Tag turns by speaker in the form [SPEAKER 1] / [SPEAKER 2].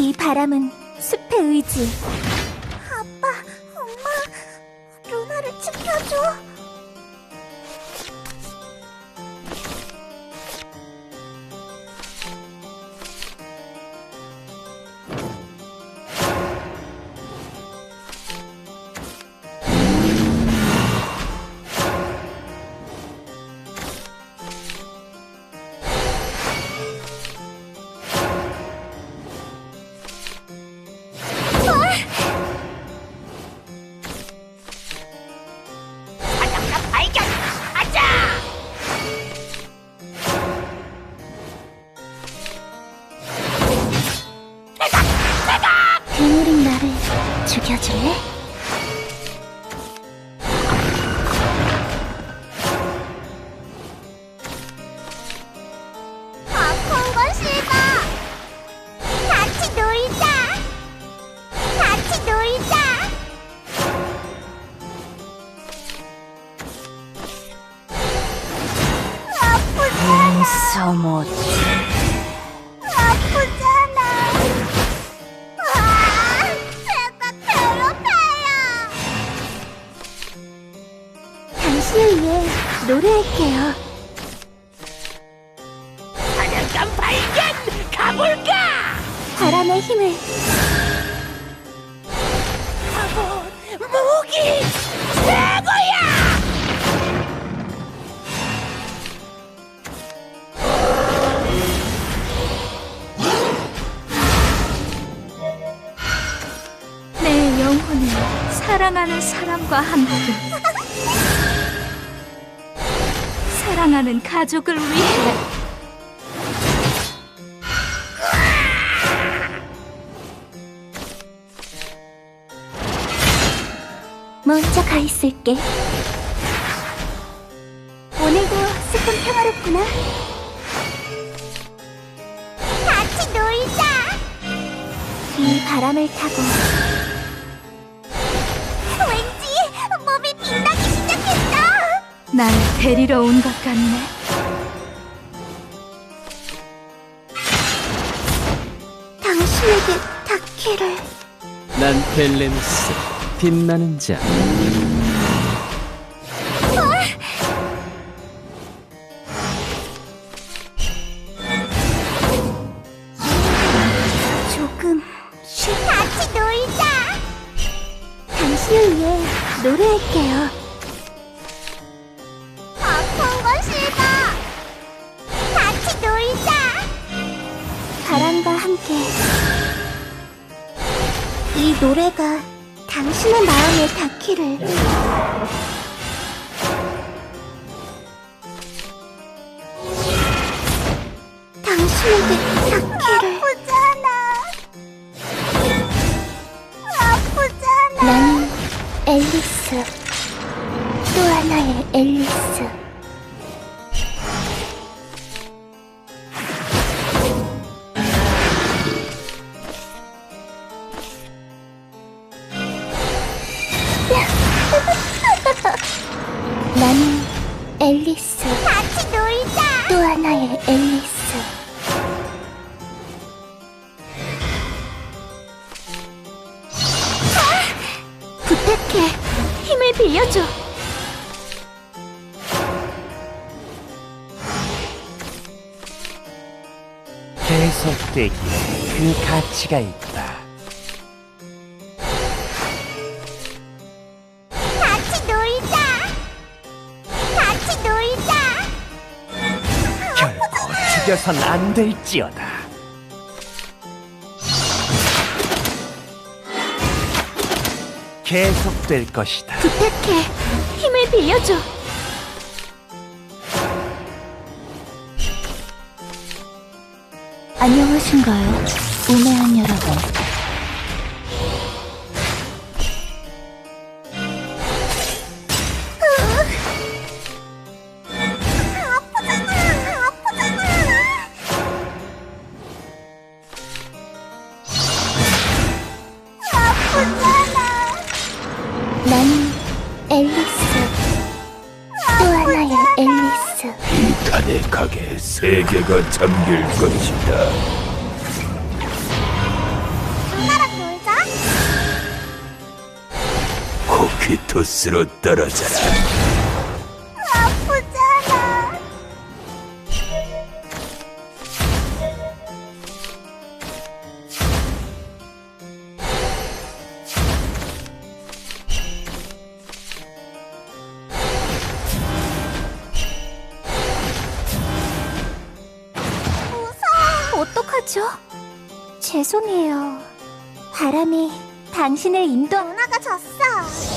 [SPEAKER 1] 이 바람은 숲의 의지.
[SPEAKER 2] 아빠, 엄마, 루나를 지켜줘.
[SPEAKER 1] 괴물인 나를 죽여줄래?
[SPEAKER 2] 아픈 건 싫어. 같이 놀자. 같이 놀자. 아프잖아.
[SPEAKER 1] 소못.
[SPEAKER 2] 아프잖아. 제가 괴롭혀요.
[SPEAKER 1] 당신을 위해 노래할게요.
[SPEAKER 3] 사냥감 발견! 가볼까!
[SPEAKER 1] 바람의 힘을.
[SPEAKER 3] 무기 최고야!
[SPEAKER 1] 내 영혼을 사랑하는 사람과 함께. 사랑하는 가족을 위해. 먼저 가 있을게. 오늘도 조금 평화롭구나.
[SPEAKER 2] 같이 놀자.
[SPEAKER 1] 이 바람을 타고
[SPEAKER 2] 왠지 몸이 빛나기 시작했어.
[SPEAKER 1] 날 데리러 온 것 같네. 당신에게 닿기를.
[SPEAKER 4] 난 벨레누스, 빛나는 자.
[SPEAKER 1] 조금
[SPEAKER 2] 같이 놀자.
[SPEAKER 1] 당신을 위해 노래할게요.
[SPEAKER 2] 아픈 건 싫어. 같이 놀자.
[SPEAKER 1] 바람과 함께. 이 노래가 당신의 마음에 닿기를. 당신에게 닿기를.
[SPEAKER 2] 아프잖아.
[SPEAKER 1] 나는 앨리스. 또 하나의 앨리스. 나는 앨리스.
[SPEAKER 2] 같이 놀자.
[SPEAKER 1] 또 하나의 앨리스. 부탁해. 힘을 빌려줘.
[SPEAKER 4] 계속되기에 그 가치가 있다.
[SPEAKER 2] 같이 놀자. 같이 놀자.
[SPEAKER 4] 결코 죽여선 안 될지어다. 계속될 것이다.
[SPEAKER 1] 부탁해. 힘을 빌려줘. 안녕하신가요, 우매한 여러분. 나는 앨리스. 또 하나의 앨리스.
[SPEAKER 5] 이 탄핵하게 세계가 잠길 것이다. 퀴토스로 떨어져라.
[SPEAKER 2] 아프잖아.
[SPEAKER 1] 어떡하죠? 죄송해요. 바람이 당신을 인도.
[SPEAKER 2] 누나가 졌어.